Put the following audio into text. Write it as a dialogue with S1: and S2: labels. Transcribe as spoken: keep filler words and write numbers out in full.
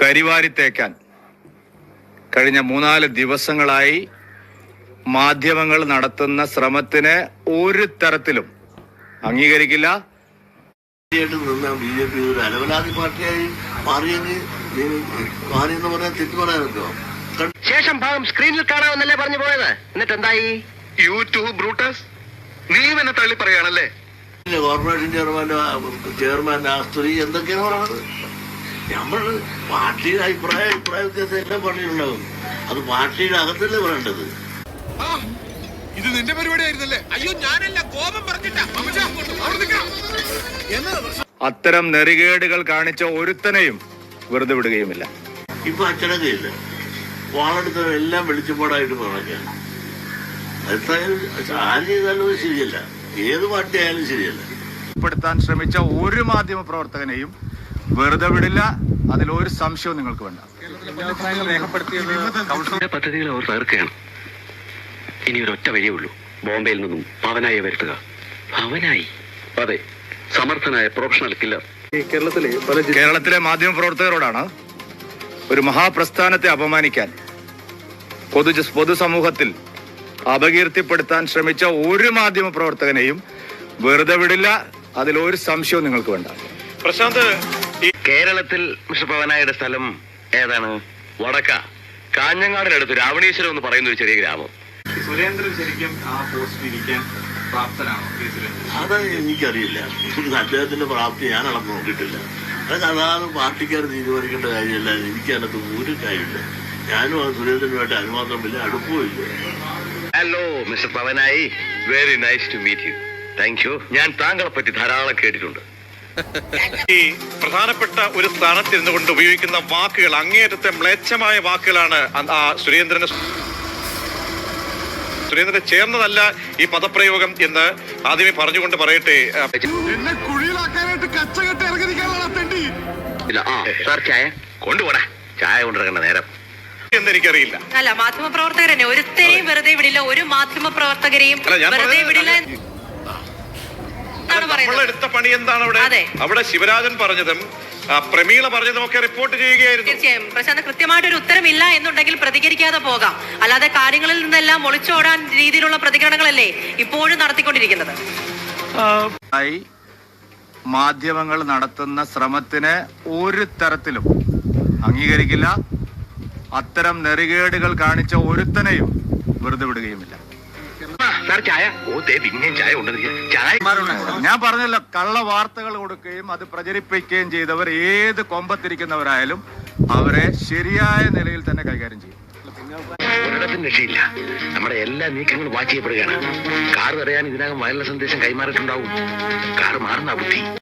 S1: കരിവാരി തേക്കാൻ കഴിഞ്ഞ മൂന്നാല് ദിവസങ്ങളായി മാധ്യമങ്ങൾ നടത്തുന്ന ശ്രമത്തിന് ഒരു തരത്തിലും അംഗീകരിക്കില്ല.
S2: ബി ജെ പി ഒരു അലവലാതി പാർട്ടിയായി മാറിയെങ്കിൽ മാറിയെന്ന് പറയാൻ തെറ്റു പറയാനല്ലോ.
S3: ശേഷം ഭാഗം സ്ക്രീനിൽ കാണാമെന്നല്ലേ പറഞ്ഞു പോയത്, എന്നിട്ട് എന്തായി?
S4: യൂട്യൂബ് ബ്രൂട്ടസ്, നീ എന്നെ തള്ളി പറയാണല്ലേ?
S2: കോർപ്പറേഷൻ ചെയർമാന്റെ ചെയർമാൻ ആ സ്ത്രീ എന്തൊക്കെയാണ് പറയുന്നത്? നമ്മൾ പാർട്ടിയുടെ അഭിപ്രായ അഭിപ്രായ വ്യത്യാസം എല്ലാം പറഞ്ഞിട്ടുണ്ടാകും. അത് പാർട്ടിയുടെ അകത്തല്ലേ പറയേണ്ടത്.
S4: ഇത് നിന്റെ പരിപാടിയായിരുന്നല്ലേ? അയ്യോ ഞാനല്ല, കോപം പറഞ്ഞിട്ടാ.
S1: അത്തരം നെറികേടുകൾ കാണിച്ച ഒരുത്തനെയും വെറുതെ വിടുകയുമില്ല.
S2: ഇപ്പൊ അച്ചടക്കയില്ല, വാളെടുത്ത എല്ലാം വെളിച്ചപ്പാടായിട്ട് പറഞ്ഞാൽ ആര് ചെയ്താലും ശരിയല്ല, ഏത് പാർട്ടി ആയാലും ശരിയല്ല.
S1: പ്പെടുത്താൻ ശ്രമിച്ച ഒരു മാധ്യമ പ്രവർത്തകനെയും വെറുതെ വിടില്ല, അതിലൊരു സംശയവും നിങ്ങൾക്ക് വേണ്ട.
S3: പദ്ധതികൾ അവർ തകർക്കുകയാണ്. ഇനി ഒരൊറ്റ വഴിയേ ഉള്ളൂ, ബോംബെയിൽ നിന്നും പവനായി വരുത്തുക. പവനായി? അതെ, സമർത്ഥനായ പ്രൊഫഷണൽ കില്ലർ.
S1: കേരളത്തിലെ മാധ്യമ പ്രവർത്തകരോടാണ് ഒരു മഹാപ്രസ്ഥാനത്തെ അപമാനിക്കാൻ, പൊതു പൊതുസമൂഹത്തിൽ അപകീർത്തിപ്പെടുത്താൻ ശ്രമിച്ച ഒരു മാധ്യമ പ്രവർത്തകനെയും വെറുതെ വിടില്ല, അതിലൊരു സംശയവും നിങ്ങൾക്ക് വേണ്ട.
S4: പ്രശാന്ത്,
S3: കേരളത്തിൽ മിസ്റ്റർ പവനായുടെ സ്ഥലം ഏതാണ്? വടക്ക കാഞ്ഞങ്ങാടിനടുത്ത് രാവണീശ്വരം എന്ന് പറയുന്ന ഒരു ചെറിയ ഗ്രാമം.
S4: സുരേന്ദ്രൻ ശരിക്കും ആ പോസ്റ്റിൽ ഇരിക്കാൻ പ്രാപ്തനാണോ?
S2: അത് എനിക്കറിയില്ല. അദ്ദേഹത്തിന്റെ പ്രാപ്തി ഞാൻ അളന്ന് നോക്കിയിട്ടില്ല. അത് അതാണ് പാർട്ടിക്കാർ തീരുമാനിക്കേണ്ട കാര്യമല്ല. എനിക്കതിനകത്ത് ഒരു കാര്യമില്ല. ഞാനും ആ സുരേന്ദ്രനുമായിട്ട് അനുമാത്രം വലിയ അടുപ്പമില്ല.
S3: Hello mister Pavanayi, very nice to meet you. Thank you. ഞാൻ താങ്കളെ പറ്റി ധാരാളം കേട്ടിട്ടുണ്ട്.
S4: ഈ പ്രധാനപ്പെട്ട ഒരു സ്ഥാനത്തിരുന്നു കൊണ്ട് ഉപയോഗിക്കുന്ന വാക്കുകൾ അങ്ങേയറ്റത്തെ മ്ലേച്ഛമായ വാക്കുകളാണ്. ആ സുരേന്ദ്രന് സുരേന്ദ്രനെ ചേർന്നതല്ല ഈ പദപ്രയോഗം എന്ന് ആദ്യമേ പറഞ്ഞുകൊണ്ട് പറയട്ടെ.
S3: ചായ കൊണ്ടുപോടാ, ചായ കൊണ്ടിറങ്ങേണ്ട നേരം
S4: എന്നെനിക്കറിയില്ല.
S5: അല്ല, മാധ്യമ പ്രവർത്തകരെ ഒരുത്തരെയും വെറുതെ വിടില്ല, ഒരു മാധ്യമ പ്രവർത്തകരെയും വെറുതെ വിടില്ല.
S4: നമ്മളെടുത്ത പണി എന്താണ് അവിടെ? അവിടെ ശിവരാജൻ പറഞ്ഞതും പ്രമീള പറഞ്ഞതും ഒക്കെ റിപ്പോർട്ട് ചെയ്യുകയായിരുന്നു.
S5: തീർച്ചയായും പ്രശാന്ത്, കൃത്യമായിട്ടൊരു ഉത്തരമില്ല എന്നുണ്ടെങ്കിൽ പ്രതികരിക്കാതെ പോകാം. അല്ലാതെ കാര്യങ്ങളിൽ നിന്നെല്ലാം ഒളിച്ചോടാൻ രീതിയിലുള്ള പ്രതികരണങ്ങളല്ലേ ഇപ്പോഴും നടത്തിക്കൊണ്ടിരിക്കുന്നത്.
S1: മാധ്യമങ്ങൾ നടത്തുന്ന ശ്രമത്തിന് ഒരു തരത്തിലും അംഗീകരിക്കില്ല. അത്തരം നെറികേടുകൾ കാണിച്ച ഒരുത്തനെയും വെറുതെ വിടുകയുമില്ല.
S3: ചായ പിന്നെയും ചായ ചായ
S1: ഞാൻ പറഞ്ഞല്ലോ, കള്ള വാർത്തകൾ കൊടുക്കുകയും അത് പ്രചരിപ്പിക്കുകയും ചെയ്തവർ ഏത് കൊമ്പത്തിരിക്കുന്നവരായാലും അവരെ ശരിയായ നിലയിൽ തന്നെ കൈകാര്യം ചെയ്യും.
S3: ഒരിടത്തും രക്ഷയില്ല. നമ്മുടെ എല്ലാ നീക്കങ്ങളും വാച്ച് ചെയ്യപ്പെടുകയാണ്. കാർ തടയാൻ ഇതിനകം വയർലെസ് സന്ദേശം കൈമാറിയിട്ടുണ്ടാവും. കാർ മാറുന്ന ബുദ്ധി.